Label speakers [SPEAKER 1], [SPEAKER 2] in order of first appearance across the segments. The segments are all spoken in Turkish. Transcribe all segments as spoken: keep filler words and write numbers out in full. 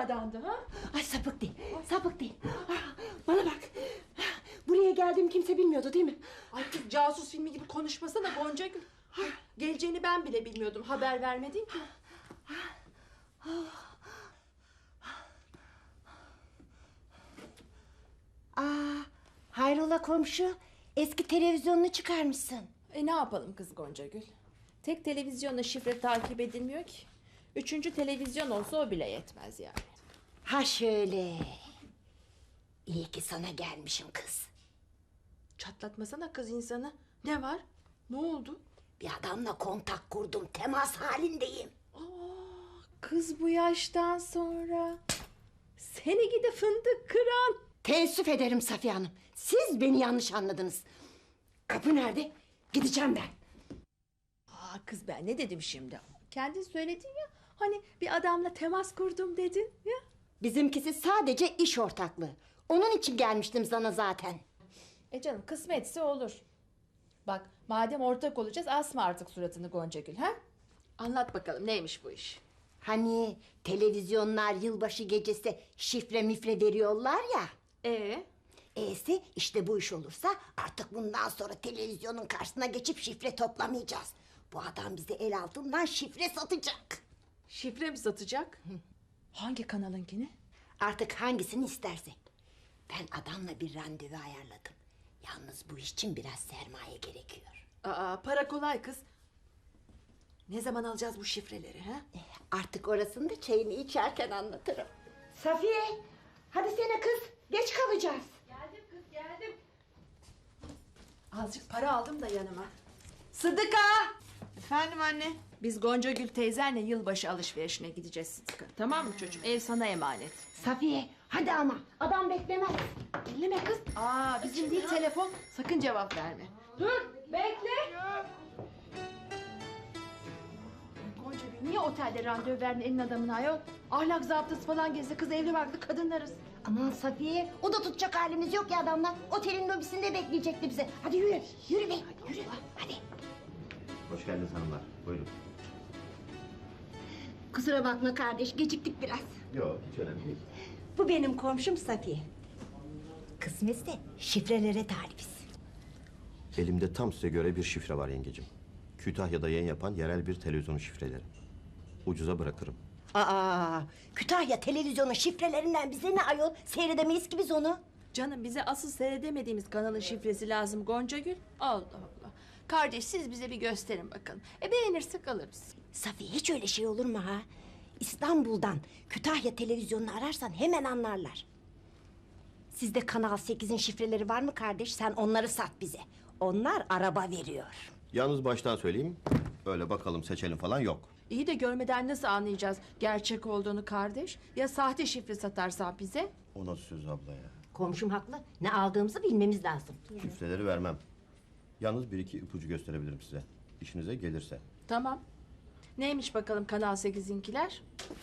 [SPEAKER 1] adamdı ha?
[SPEAKER 2] Ay sapık değil, sapık değil. Ah, bana bak. Buraya geldiğim kimse bilmiyordu değil mi?
[SPEAKER 1] Ay kız, casus filmi gibi konuşmasana Goncagül. Geleceğini ben bile bilmiyordum. Haber vermedin ki.
[SPEAKER 2] Aa, hayrola komşu? Eski televizyonunu çıkarmışsın.
[SPEAKER 1] E ne yapalım kız Goncagül? Tek televizyonla şifre takip edilmiyor ki. Üçüncü televizyon olsa o bile yetmez yani.
[SPEAKER 2] Ha şöyle. İyi ki sana gelmişim kız.
[SPEAKER 1] Çatlatmasana kız insanı. Ne var? Ne oldu?
[SPEAKER 2] Bir adamla kontak kurdum, temas halindeyim.
[SPEAKER 1] Aa, kız bu yaştan sonra. Seni gidi fındık kıran.
[SPEAKER 2] Teessüf ederim Safiye Hanım. Siz beni yanlış anladınız. Kapı nerede? Gideceğim ben.
[SPEAKER 1] Aa, kız ben ne dedim şimdi? Kendin söyledin ya. Hani bir adamla temas kurdum dedin ya.
[SPEAKER 2] Bizimkisi sadece iş ortaklığı. Onun için gelmiştim sana zaten.
[SPEAKER 1] E canım kısmetse olur. Bak madem ortak olacağız asma artık suratını Goncagül ha? Anlat bakalım neymiş bu iş?
[SPEAKER 2] Hani televizyonlar yılbaşı gecesi şifre mifre veriyorlar ya.
[SPEAKER 1] Ee?
[SPEAKER 2] E'si işte bu iş olursa artık bundan sonra televizyonun karşısına geçip şifre toplamayacağız. Bu adam bize el altından şifre satacak.
[SPEAKER 1] Şifre mi satacak? Hangi kanalınkini?
[SPEAKER 2] Artık hangisini istersek. Ben adamla bir randevu ayarladım. Yalnız bu iş için biraz sermaye gerekiyor.
[SPEAKER 1] Aa, para kolay kız. Ne zaman alacağız bu şifreleri ha?
[SPEAKER 2] Artık orasını da çayını içerken anlatırım. Safiye, hadi sene kız. Geç kalacağız.
[SPEAKER 1] Geldim kız geldim. Azıcık para aldım da yanıma. Sıdıka!
[SPEAKER 3] Efendim anne?
[SPEAKER 1] Biz Goncagül teyzenle yılbaşı alışverişine gideceğiz Sıdıka. Tamam mı çocuğum? Ev sana emanet.
[SPEAKER 2] Safiye, hadi ama. Adam beklemez.
[SPEAKER 1] Elleme kız. Aa, bizim değil telefon. Sakın cevap verme. Dur, bekle. Goncagül niye otelde randevu verdin elin adamına ayol? Ahlak zaptası falan gezdi. Kız evli barklı kadınlarız.
[SPEAKER 2] Aman Safiye, o da tutacak halimiz yok ya adamla. Otelin lobisinde bekleyecekti bizi. Hadi yürü, yürü be, yürü. Hadi.
[SPEAKER 4] Hoş geldiniz hanımlar. Buyurun.
[SPEAKER 2] Kusura bakma kardeş, geciktik biraz.
[SPEAKER 4] Yok, hiç önemli değil.
[SPEAKER 2] Bu benim komşum Safiye. Kısmetse şifrelere talibiz.
[SPEAKER 4] Elimde tam size göre bir şifre var yengecim. Kütahya'da yayın yapan yerel bir televizyonun şifreleri. Ucuza bırakırım.
[SPEAKER 2] Aa, Kütahya televizyonun şifrelerinden bize ne ayol? Seyredemeyiz ki biz onu.
[SPEAKER 1] Canım bize asıl seyredemediğimiz kanalın şifresi lazım Goncagül. Allah Allah. Kardeş siz bize bir gösterin bakalım. E beğenirsek alırız.
[SPEAKER 2] Safiye hiç öyle şey olur mu ha? İstanbul'dan Kütahya televizyonunu ararsan hemen anlarlar. Sizde Kanal sekizin şifreleri var mı kardeş? Sen onları sat bize. Onlar araba veriyor.
[SPEAKER 4] Yalnız baştan söyleyeyim, öyle bakalım seçelim falan yok.
[SPEAKER 1] İyi de görmeden nasıl anlayacağız gerçek olduğunu kardeş? Ya sahte şifre satarsan bize?
[SPEAKER 4] O nasıl söz abla ya?
[SPEAKER 2] Komşum haklı. Ne aldığımızı bilmemiz lazım.
[SPEAKER 4] Şifreleri vermem. Yalnız bir iki ipucu gösterebilirim size. İşinize gelirse.
[SPEAKER 1] Tamam. Neymiş bakalım Kanal sekizinkiler?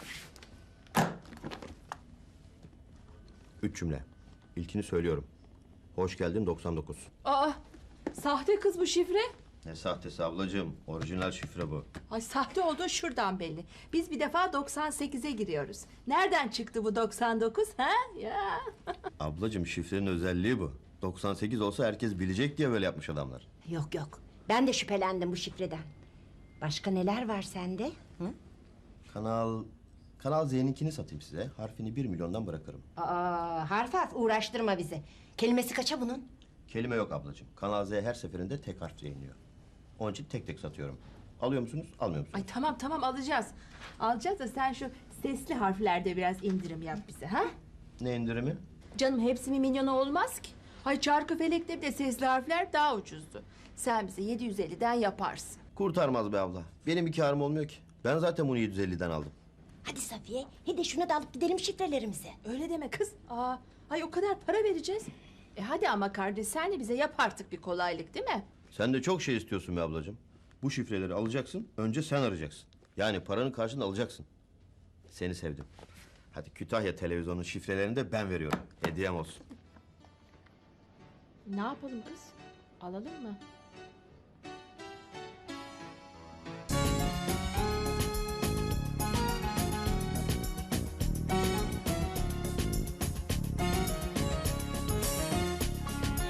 [SPEAKER 4] Üç cümle. İlkini söylüyorum. Hoş geldin doksan dokuz.
[SPEAKER 1] Aa, sahte kız bu şifre.
[SPEAKER 4] Ne sahtesi ablacığım? Orijinal şifre bu.
[SPEAKER 1] Ay sahte olduğu şuradan belli. Biz bir defa doksan sekize giriyoruz. Nereden çıktı bu doksan dokuz ha? Ya.
[SPEAKER 4] Ablacığım şifrenin özelliği bu. doksan sekiz olsa herkes bilecek diye böyle yapmış adamlar.
[SPEAKER 2] Yok yok. Ben de şüphelendim bu şifreden. Başka neler var sende? Hı?
[SPEAKER 4] Kanal... Kanal Z'ninkini satayım size. Harfini bir milyondan bırakırım.
[SPEAKER 2] Aa, harf harf uğraştırma bizi. Kelimesi kaça bunun?
[SPEAKER 4] Kelime yok ablacığım. Kanal Z her seferinde tek harf yayınlıyor. Onun için tek tek satıyorum. Alıyor musunuz, almıyor musunuz?
[SPEAKER 1] Ay tamam tamam alacağız. Alacağız da sen şu sesli harflerde biraz indirim yap bize ha?
[SPEAKER 4] Ne indirimi?
[SPEAKER 1] Canım hepsi bir milyona olmaz ki. Hay Çarkıfelek'te bir de sesli harfler daha ucuzdu. Sen bize yedi yüz elliden yaparsın.
[SPEAKER 4] Kurtarmaz be abla. Benim bir kârım olmuyor ki. Ben zaten bunu yedi yüz elliden aldım.
[SPEAKER 2] Hadi Safiye, hadi şunu da alıp gidelim şifrelerimizi.
[SPEAKER 1] Öyle deme kız. Aa, ay o kadar para vereceğiz. E hadi ama kardeş sen de bize yap artık bir kolaylık değil mi?
[SPEAKER 4] Sen de çok şey istiyorsun be ablacığım. Bu şifreleri alacaksın, önce sen arayacaksın. Yani paranın karşılığını alacaksın. Seni sevdim. Hadi Kütahya televizyonun şifrelerini de ben veriyorum. Hediyem olsun.
[SPEAKER 1] Ne yapalım kız? Alalım mı?